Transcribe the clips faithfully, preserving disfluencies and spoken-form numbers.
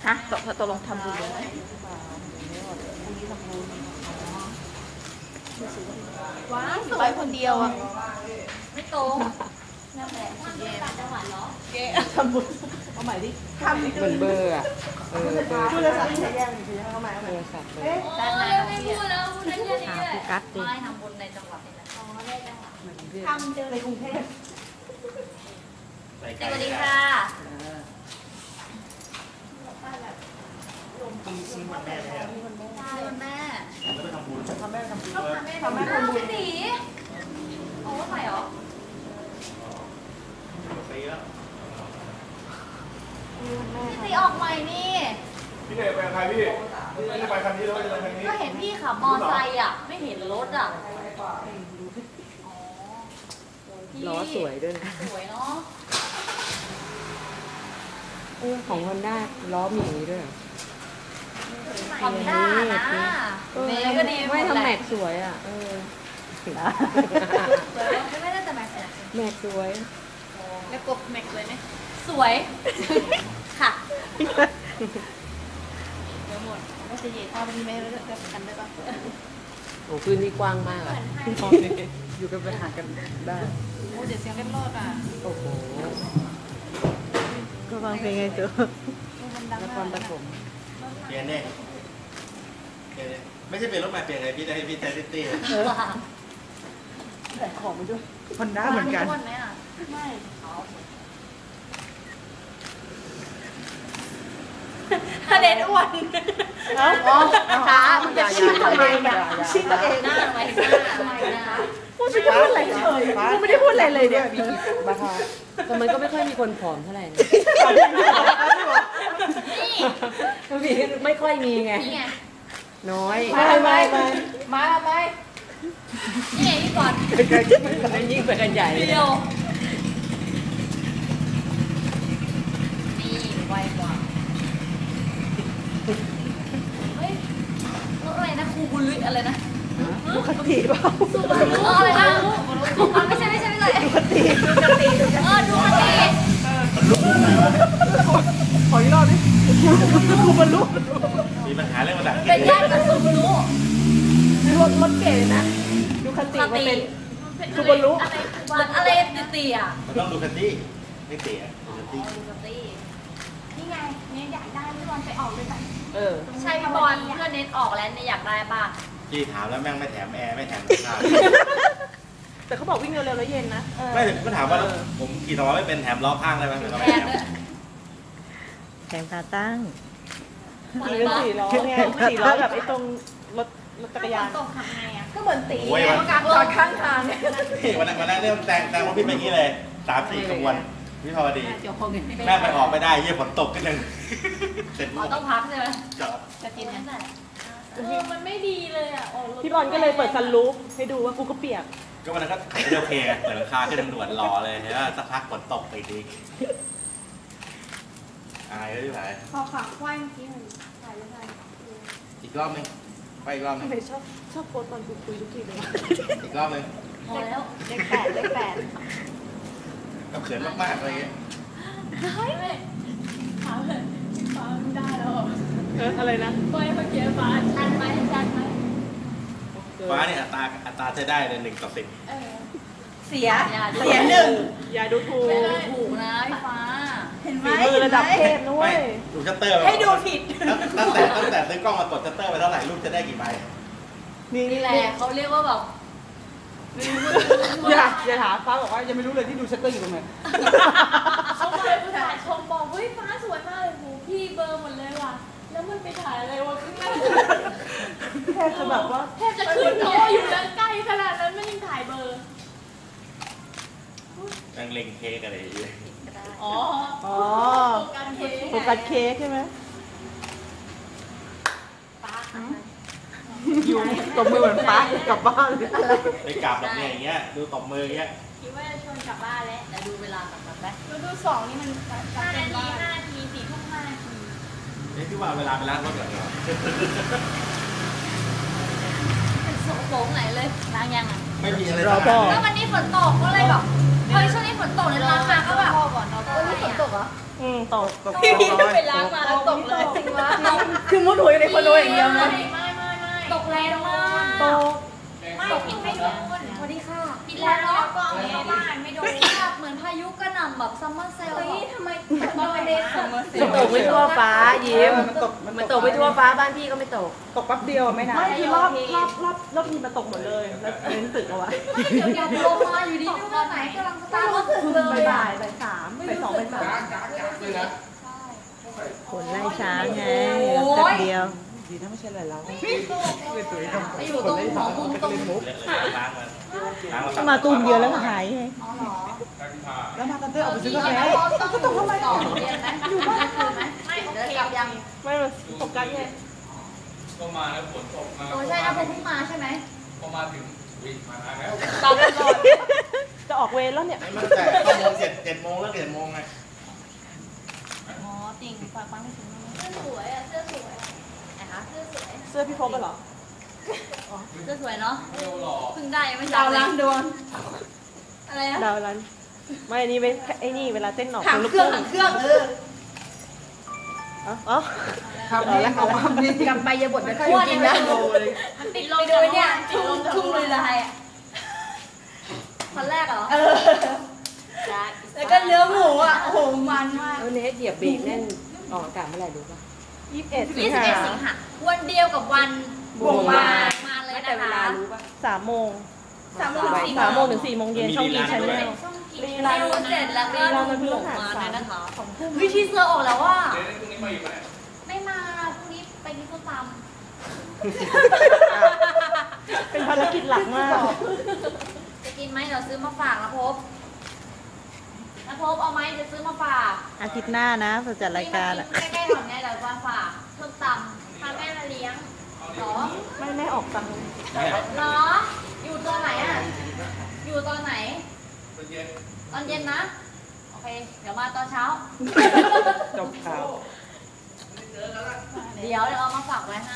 ฮะตกตกลงทำบุญเลยว้าวไปคนเดียวอ่ะไม่ตรงนั่นแหละมันเป็นต่างจังหวัดเหรอเก๊ทำบุญเอาใหม่ดิทำเหมือนเบอร์อ่ะเออเบอร์โทรศัพท์ใช้แย่งใช้แย่งเอาใหม่เอาใหม่โทรศัพท์เลยด้านในไม่พูดแล้วพูดได้แค่นี้แหละไม่ทำบุญในจังหวัดนี่แหละอ๋อได้จังหวัดทำเจอในกรุงเทพสวัสดีค่ะปีชีวันแม่แล้วใช่วันแม่แล้วไปทำบุญทำแม่ทำบุญทำแม่ทำแม่ทำบุญสีโอ้ใส่เหรอปีแล้วพี่ตีออกใหม่นี่พี่เด็กไปใครพี่ไม่ได้ไปคันนี้แล้วจะไปคันนี้ก็เห็นพี่ขับมอไซค์อ่ะไม่เห็นรถอ่ะล้อสวยด้วยนะสวยเนาะเออของฮอนด้าล้อมีด้วยฮอนด้านะเมย์ก็ดีไม่ทำแม็กสวยอ่ะเออไม่ได้แต่แม็กซ์แม็กสวยแล้วกบแม็กเลยไหมสวยค่ะเดี๋ยวหมดก็จะเหยียดพ่อเป็นเมย์แล้วจะกันได้ปะโอ้พื้นที่กว้างมากอ่ะอยู่กันไปหากันได้โอ้เดี๋ยวเสียงเล็ดรอดอ่ะโอ้โหก็ฟังเพลงไงเจ้านครปฐมเปลี่ยนเนี่ยไม่ใช่เป็นรถใหม่เปลี่ยนไงพี่ได้พี่ไทซิตี้แต่ของมันด้วยฮอนด้าเหมือนกันไม่ถ้าเด็ดอ้วนอ๋อขามันจะชี้ทำไมเนี่ยชี้ตัวเองหน้าไว้หน้าไว้หน้าพูดไม่พูดอะไรเลยพูดไม่ได้พูดอะไรเลยเนี่ยบ้าค่ะแต่มันก็ไม่ค่อยมีคนผอมเท่าไหร่นี่ไม่ค่อยมีไงน้อยมาไปมาไปนี่ไงพี่ก่อนยิ่งไปกันใหญ่เดียวนี่ไวกว่าเฮ้ยรถอะไรนะครูบุรุษอะไรนะดูคติเปล่าดูอะไรนะไม่ใช่ไม่ใช่ไม่ใช่ดูคติดูคติเออดูคติขออีกรอบดิครูบรรลุมีปัญหาเรื่องภาษาอังกฤษเป็นญาติกับครูบรรลุรถรถเก๋นะดูคติมันเป็นครูบรรลุอะไรตีอ่ะมันต้องดูคติไม่เตะดูคติดูคตินี่ไงเนี่ยอยากได้พี่บอลไปออกด้วยกันเออใช่พี่บอลเพื่อนเน็ตออกแล้วเนี่ยอยากได้ป่ะพี่ถามแล้วแม่งไม่แถมแอร์ไม่แถมข้าวแต่เขาบอกวิ่งเร็วๆแล้วเย็นนะไม่ก็ถามว่าผมขี่ล้อไม่เป็นแถมล้อข้างได้ไหมแถมแถมขาตั้งเป็นสี่ล้อไงสี่ล้อแบบไอ้ตรงรถรถจักรยานตกทำไงอ่ะก็เหมือนตีกลางรถข้างทางเนี่ยวันนั้นวันนั้นเนี่ยแต่งแต่งรถพี่ไปงี้เลยสามสี่ขบวนพี่พอดีแม่ไปออกไม่ได้เยี่ยฝนตกก็ยังเสร็จต้องพักใช่ไหมจอดจะกินนั่นแหละเออมันไม่ดีเลยอ่ะพี่บอลก็เลยเปิดซันรูฟให้ดูว่ากูก็เปียกก็วันนั้นก็ไม่โอเคเปิดราคาขึ้นด่วนรอเลยเห็นว่าสักพักฝนตกไปดีอายเลยพี่ไผ่พอขาควายเมื่อกี้มันถ่ายยังไงอีกรอบนึงไปอีกรอบนึงชอบชอบโพสตอนคุยคุยทุกทีเลยอีกรอบนึงพอแล้วเลขแปดเลขแปดกับเขินมากๆอะไรเงี้ยเฮ้ยถามเลยฟ้าไม่ได้แล้วเอออะไรนะฟ้าเมื่อกี้ฟ้าชันไหมชันไหมฟ้าเนี่ยอัตราอัตราใช้ได้เลยหนึ่งต่อสิบเสียเสียหนึ่งอย่าดูถูกถูกนะพี่ฟ้าเห็นไหมระดับเทพนะเว้ยดูชัตเตอร์ให้ดูผิดตั้งแต่ตั้งแต่ซื้อกล้องมากดชัตเตอร์ไปเท่าไหร่รูปจะได้กี่ใบนี่แหละเขาเรียกว่าแบบอย่าอย่าถามฟ้าบอกว่ายังไม่รู้เลยที่ดูชัตเตอร์อยู่ตรงไหนเขาเลยผู้ถ่ายชมบอกเฮ้ยฟ้าสวยมากเลยหูพี่เบอร์หมดเลยว่ะแล้วมันไปถ่ายอะไรวะข้างหน้าแทบจะแบบว่าแทบจะขึ้นโตอยู่แล้วใกล้ขนาดนั้นไม่ยังถ่ายเบอร์นั่งเล็งเค้กอะไรอยู่อ๋ออ๋อโฟกัสเค้กใช่ไหมอยู่ตบมือเหมือนป้ากลับบ้านไปกลับแบบอย่างเงี้ยดูตบมืออย่างเงี้ยคิดว่าจะชวนกลับบ้านแล้วแต่ดูเวลากลับแบบไหมดูดูสองนี่มันห้านาทีห้านาทีสี่ทุ่มห้านาทีเฮ้ยที่ว่าเวลาไปล้างรถก่อนเหรอเป็นโสโครงไหนเลยล้างยังอ่ะไม่มีอะไรรอพ่อแล้ววันนี้ฝนตกก็เลยแบบเฮ้ยช่วงนี้ฝนตกเลยล้างมาก็แบบอืมตกพี่พี่ไปล้างมาแล้วตกเลยคือมุดหัวอยู่ในคอนโดอย่างเดียวนะไม่ไม่ไม่ตกแรงมากโตไม่ตกกินไม่โดนสวัสดีค่ะกินแล้วเนาะก็เข้าบ้านไม่โดนเหมือนพายุกระหน่ำแบบซัมเมอร์เซลล์ทำไมตอนเด็กซัมเมอร์เซลมันตกไม่ทั่วฟ้ายิ้มมันตกมันตกไม่ทั่วฟ้าบ้านพี่ก็ไม่ตกตกแป๊บเดียวไม่นานไม่คือรอบรอบรอบรอบนี้มันตกหมดเลยแล้วเน้นตึกเอาไว้เดี๋ยวเดี๋ยวลงมาอยู่ดีไม่ว่าไหนกำลังสตาร์ทรถถึงเลยบ่ายบ่ายสามบ่ายสองบ่ายสามขนไล่ช้างไงแป๊บเดียวดีถ้าไม่ใช่อะไรแล้วไปอยู่ตรงหมอมุมตรงเล็กๆล้างมันล้างมันถ้ามาตูมเดียวแล้วก็หายไงอ๋อเหรอแล้วมากันเตอร์ออกไปซื้อกาแฟก็ตกทำไมต่อเรียนไหมอยู่บ้านคืนไหมไม่โอเคกลับยังไม่มาตกกันไงก็มาแล้วฝนตกมาโอ้ใช่นะผมเพิ่งมาใช่ไหมพอมาถึงวิ่งมาแล้วตอนนั้นจะออกเวรแล้วเนี่ยมันแต่เข้าโมงเจ็ดเจ็ดโมงแล้วเจ็ดโมงไงอ๋อจริงฝากฟังไม่ถึงเสื้อสวยอ่ะเสื้อสวยนะคะเสื้อสวยเสื้อพี่พบไปเหรอเสื้อสวยเนาะเร็วหล่อเพิ่งได้ไม่ดาวล้างดวงอะไรนะดาวรันไม่อันนี้ไม่ไอ้นี่เวลาเต้นหนอกหางลูกเครื่องทุ่งหางเครื่องเอออ๋อครับแล้วเขาทำดีกำไปยาบทไม่ค่อยกินนะมันติดลมดูเนี่ยทุ่งทุ่งเลยลายอ่ะคนแรกเหรอเออแล้วก็เนื้อหมูอ่ะโอ้โหมันมากแล้วเนสเหยียบเบรกแน่นออกอากาศเมื่อไหร่รู้ป่ะยี่สิบเอ็ดสิงยี่สิบหาเอ็ดสิงหาวันเดียวกับวันบวกมามาเลยแต่นะเวลาคะรู้ป่ะสามโมงสามโมงถึงสี่สามโมงถึงสี่โมงเย็นช่องกีชาแนลช่องกีฬาเสร็จแล้วก็ดูหมมาเลยนะคะวิธีเสื้อออกแล้วว่าเดี๋ยวพรุ่งนี้มาอีกไหมไม่มาพรุ่งนี้ไปกินส้มตำเป็นภารกิจหลักมากจะกินไหมเดี๋ยวซื้อมาฝากนะพบนะพบเอาไหมจะซื้อมาฝากอาทิตย์หน้านะเราจัดรายการอ่ะใกล้ๆหน่อยเนี่ยเดี๋ยวมาฝากส้มตำพาแม่มาเลี้ยงเหรอไม่ไม่ออกตังค์เหรออยู่ตอนไหนอ่ะอยู่ตอนไหนตอนเย็นตอนเย็นนะโอเคเดี๋ยวมาตอนเช้าจบข่าวเดี๋ยวเดี๋ยวเอามาฝากไว้ให้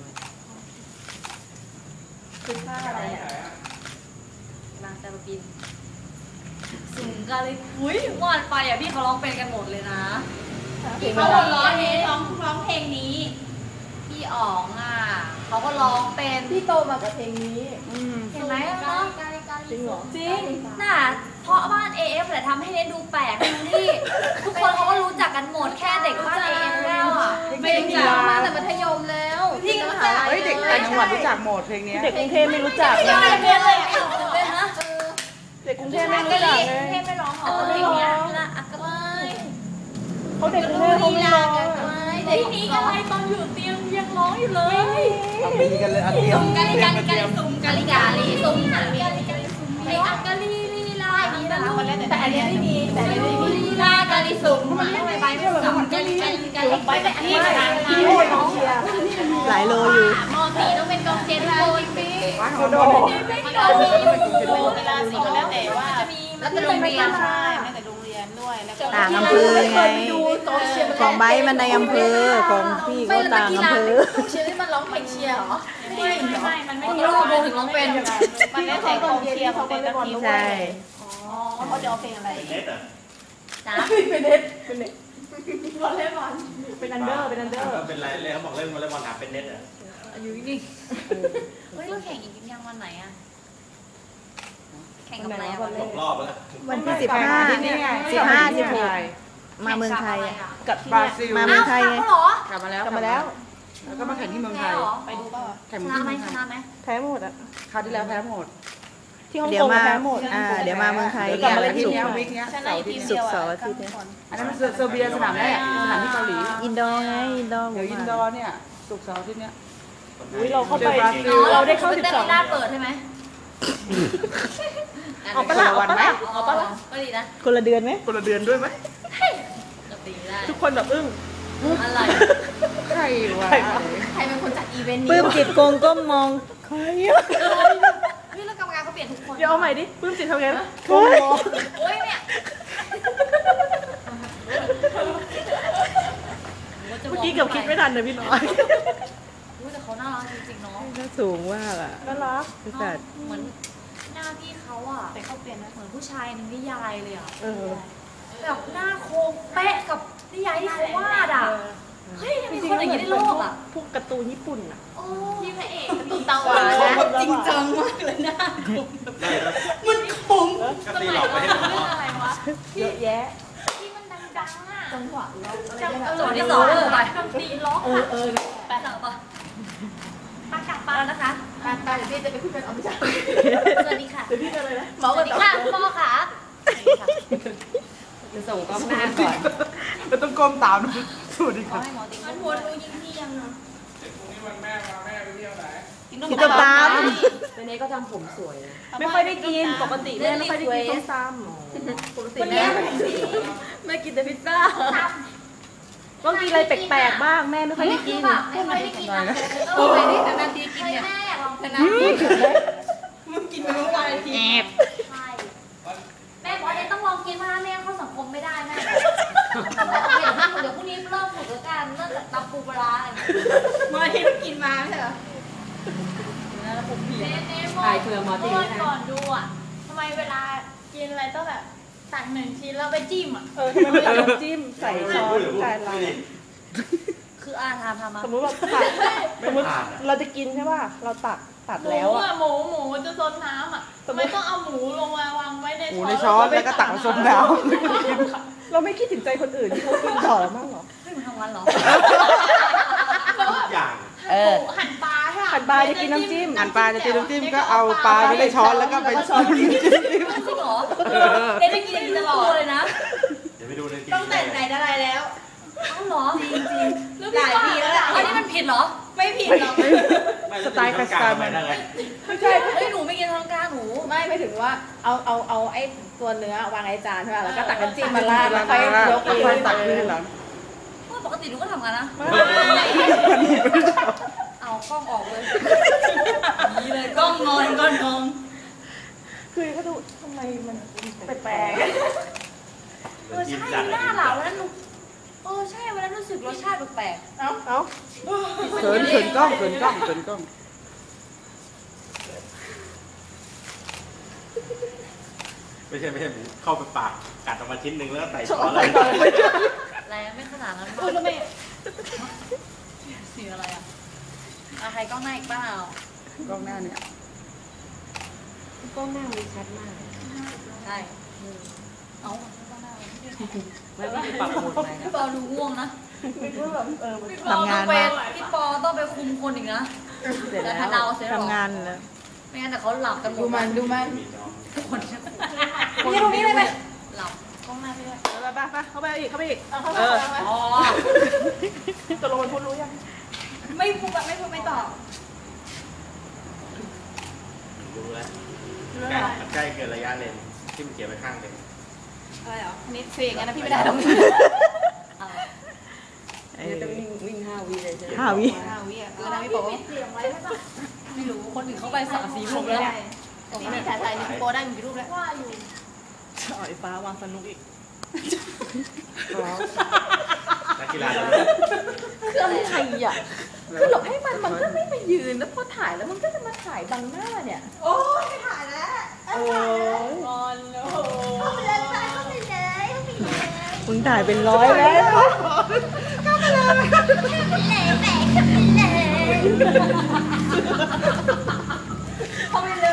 คือค่าอะไรอ่ะนางจะมาบินสูงกันเลยอุ้ยเมื่อวานไปอ่ะพี่เขาร้องเป็นกันหมดเลยนะพี่เขาร้องเพลงร้องร้องเพลงนี้ พี่อ๋องอ่ะเขาก็ร้องเป็นพี่โตมากับเพลงนี้เห็นไหมเนาะจริงเหรอจริงน่ะเพราะบ้าน เอ เอฟ แหละทำให้เน้นดูแปลกดูที่ทุกคนเขาก็รู้จักกันหมดแค่เด็กบ้าน เอ เอฟ แล้วอ่ะไม่ได้กีฬามาแต่มัธยมแล้วพี่ก็รู้จักเฮ้ยเด็กต่างจังหวัดรู้จักหมดเพลงนี้เด็กกรุงเทพไม่รู้จักไม่นะได้เรียนเลยไม่รู้เลยฮะเด็กกรุงเทพไม่รู้จักเลยเทพไม่ร้องหรอเพลงเนี้ยละอักกะไเขาเด็กกรุงเทพเขาไม่ร้องเด็กนี้กันไรตอนอยู่เตียงยังร้องอยู่เลยเอามีกันเลยอันเดียวกาลิกาลิกาลิซุมกาลิกาลิซุมกาลิกาลิกาลิซุมเพลงอักกะลีลีลาอักกะลูแต่อันนี้ไม่มีแต่อันนี้ไม่มีลีลากาลิซุมมันไม่ไปไม่สับกาลิกาลิกาลิไปแต่ที่ทางทางหลายโลอยู่มอสี่ต้องเป็นกองเชียร์ทุกคนปีเขาโดนมันก็มีอยู่เวลาสี่ก็แล้วแต่ว่าจะมีแล้วแต่โรงเรียนใช่แต่โรงเรียนด้วยแล้วก็ต่างอำเภอไง ของไบร์ทมันในอำเภอ ของพี่ก็ต่างอำเภอเชียร์ที่มันร้องเพลงเชียร์เหรอไม่ไม่ไม่มันไม่มีร้องถึงร้องเป็นมันได้แต่กองเชียร์เขาก็เล่นบอลด้วยใช่อ๋อเขาจะเอาเพลงอะไรเป็นเน็ตเหรอจ้าเป็นเน็ตเป็นเน็ตบอลเล่นบอลเป็นอันเดอร์เป็นอันเดอร์เป็นไรเลยเขาบอกเล่นวอลเลย์บอลถามเป็นเน็ตเหรออายุนี่เฮ้ยเราแข่งอีกยังวันไหนอะแข่งกับอะไรอะวันตกรอบแล้ววันที่สิบห้าสิบห้าสิบหกมาเมืองไทยอะกับบราซิลมาเมืองไทยไงเหรอกลับมาแล้วกลับมาแล้วแล้วก็มาแข่งที่เมืองไทยไปดูป่ะแข่งชที่นะไหมเมืองไทชยนะไหมแพ้หมดอ่ะคราวที่แล้วแพ้หมดที่ฮ่องเดี๋กยวงมาแพ้หมดที่อ่าฮ่องกงเดี๋ยวมาเมืองไทยกลับมาวัแล้วนทีศุกเนี้ยร์วิกเนี้ยเสาร์อาที่ศุกร์เสาร์อาทิตย์เนี่ยอันนั้นมันเซอร์เบียสนามแรกสนามที่เกาหลีอินดอร์ไงอินดอร์เดี๋ยวอินดอร์เนี่ยศุกร์เสาร์อาที่เนี้ยอุ้ยเราเข้าไปเจอบราซิลเราได้เข้าสิบเต้นสองลีลาเปิดใช่ไหมเอาปะล่ะเอาปะล่ะเอาปะล่ะก็ดีนะคนละเดือนไหมคนละเดือนด้วยไหมก็ดีได้ทุกคนแบบอึ้งอะไรใครวะใครเป็นคนจัดอีเวนต์นี้ปลื้มจิตโกงก้มมองใครอะเฮ้ยแล้วกรรมการเขาเปลี่ยนทุกคนเดี๋ยวเอาใหม่ดิปลื้มจิตทำไงนะโกงมองโอ้ยเนี่ยเมื่อกี้เกือบคิดไม่ทันเลยพี่น้อยรู้แต่เขาน่ารักจริงๆเนาะน่าสูงมากอ่ะน่ารักบริษัทเหมือนหน้าพี่เขาอะแต่เขาเปลี่ยนเหมือนผู้ชายในนิยายเลยอะเออแบบหน้าโค้งเป๊ะกับนิยายที่เขาวาดอะเฮ้ยยังมีคนอย่างนี้ในโลกอ่ะพวกการ์ตูนญี่ปุ่นอ่ะโอ้พี่พระเอกตุนเตาหวานนะจริงจังมากเลยนะได้แล้วมันขมก็ตีหลอกไปให้หมออะไรวะเยอะแยะที่มันดังๆอ่ะจังหวะล็อกอะไรจังนะจังหวะที่สองเลยไปดนตรีล็อกเออเออไปสั่งปะปากกาไปปาแล้วนะคะปากกาเดี๋ยวพี่จะไปขึ้นเป็นอภิชาสวัสดีค่ะเดี๋ยวพี่จะเลยนะหมอสกัวันสดีต่อค่ะคุณพ่อค่ะจะส่งกล้องหน้าก่อนเราต้องก้มตามสวัสดีขอค่ะให้หมอติ๊กมันวนรู้ยิงพี่ยังอ่ะเด็กพรุ่งนี้วันแม่มาแม่ไปเที่ยวไหนกินต้มตำเนเน่ก็ทำผมสวยนะไม่ค่อยได้กินปกติแม่ไม่ค่อยได้กินส้มตำปกติแม่แม่กินแต่พิซซ่าต้องกินอะไรแปลกๆบ้างแม่ไม่ค่อยได้กินไม่ค่อยได้กินนะโอ้ยนี่แต่นาทีกินเฮ้ยเนี่ยแม่อยากลองแต่เป็นนานะทีมึงกินไปเมื่อวานทีแอบใช่แม่บอกว่าเดี๋ยวต้องลองกินมาแม่เข้าสังคมไม่ได้แม่โอเคเดี๋ยวพรุ่งนี้เริ่มฝึกแล้วกันเริ่มจากตำปูปลาอะไรอย่างเงี้ยเมื่อที่มึงกินมาไม่ใช่เหรอเน่เน่โมถ่ายเครือมอตี้เมื่อนะก่อนดูอ่ะทำไมเวลากินอะไรต้องแบบตักหนึ่งชิ้นแล้วไปจิ้มอ่ะเออทำไมไม่เอาน้ำจิ้มใส่ช้อนจานเราคืออาทำทำมาสมมติว่าตักสมมติเราจะกินใช่ป่ะเราตักตัดหมูแล้วอ่ะอ่ะหมูหมูมันจะซนน้ำอ่ะทำไมต้องเอาหมูลงมาวางไว้ในหมูในช้อนแล้วก็ตักมาซดน้ำเราไม่คิดถึงใจคนอื่นที่เขากินต่อแล้วมั้งเหรอเฮ้ยมันทำวันเหรอทุกอย่างเออหั่นปลาใช่หั่นปลาจะกินน้ำจิ้มหั่นปลาจะกินน้ำจิ้มก็เอาปลาไม่ได้ช้อนแล้วก็ไปช้อนจิ้มจริงเหรอเน่ได้กินอย่างนี้ตลอดเลยนะเดี๋ยวไปดูในทีต้องแต่งไหนอะไรแล้วเอ้าเหรอจริงจริงหลายปีแล้วแหละอันนี้มันผิดเหรอไม่ผิดหรอกสไตล์คาสตาร์ไปมันได้ไงไม่ใช่เฮ้ยหนูไม่กินทางกลางหนูไม่ไม่ถึงว่าเอาเอาเอาไอ้ตัวเนื้อวางไอ้จานใช่ป่ะแล้วก็ตักน้ำจิ้มมาราดแล้วค่อยยกค่อยตักขึ้นหลังเมื่อปกติหนูก็ทำกันนะ เอากล้องออกเลยนี่เลยกล้องงอนก้อนงงคือเขาดูทำไมมันแปลกเออใช่หน้าเหล่าวันนั้นหนูเออใช่วันนั้นรู้สึกรสชาติแปลกๆเอ้าเอ้าเขินเขินกล้องเขินกล้องเขินกล้องไม่ใช่ไม่ใช่หมูเข้าไปปากกัดออกมาชิ้นหนึ่งแล้วก็ใส่ช้อนเลยๆแรงไม่ขนาดนั้นเออทำไมสีอะไรอ่ะเอาใครกล้องหน้าอีกเปล่ากล้องหน้าเนี่ยกล้องหน้ามันชัดมากใช่เอากล้องหน้าไม่ไม่ได้ปรับโหมดใหม่นะพี่ปอดูง่วงนะทำงานพี่ปอต้องไปมาพี่ปอต้องไปคุมคนอีกนะเสร็จแล้วแต่พะเนาเสร็จแล้วทำงานแล้วไม่งั้นแต่เขาหลับกันหมดูดมันดูมันคนจะนี่ตรงนี้เลยไหมหลับกล้องหน้าพี่ด้วยไปไปไปเข้าไปอีกเข้าไปอีกเอาเข้าเอมาอเอามาอ๋อตกลงมันพูดรู้ยังไม่พูดแบบไม่พูดไม่ตอบดูแล้วใกล้ใกล้เกินระยะเลนที่มันเกี่ยวไปข้างเลยอะไรเหรอนี่เสียงกันนะพี่ไม่ได้หรอกเอาเอเดี๋ยวอจะวิ่งวิ่งห้าวิเลยใช่ไหมห้าวิห้าวิอ่ะเออนะพี่โป๊ปิดเสียงไว้ใช่ปะไม่รู้คนอื่นเขาไปสามสี่โมงไม่แล้วได้นี่พี่ถ่ายถ่ายนี่พี่โป๊ได้มีกี่รูปแล้วว่าอยู่อ๋อไอ้ฟ้าวางสนุกอีกนักกีฬาคืออะไรใครอ่ะคือหลบให้มันมันก็ไม่มายืนแล้วพอถ่ายแล้วมันก็จะมาถ่ายบังหน้าเนี่ย โอ้ยไม่ถ่ายแล้วโอ้ยงอนโอ้เข้าไปเลยเข้าไปเลยเข้าไปเลยมึงถ่ายเป็นร้อยแล้วเข้าไปเลยเข้าไปเลย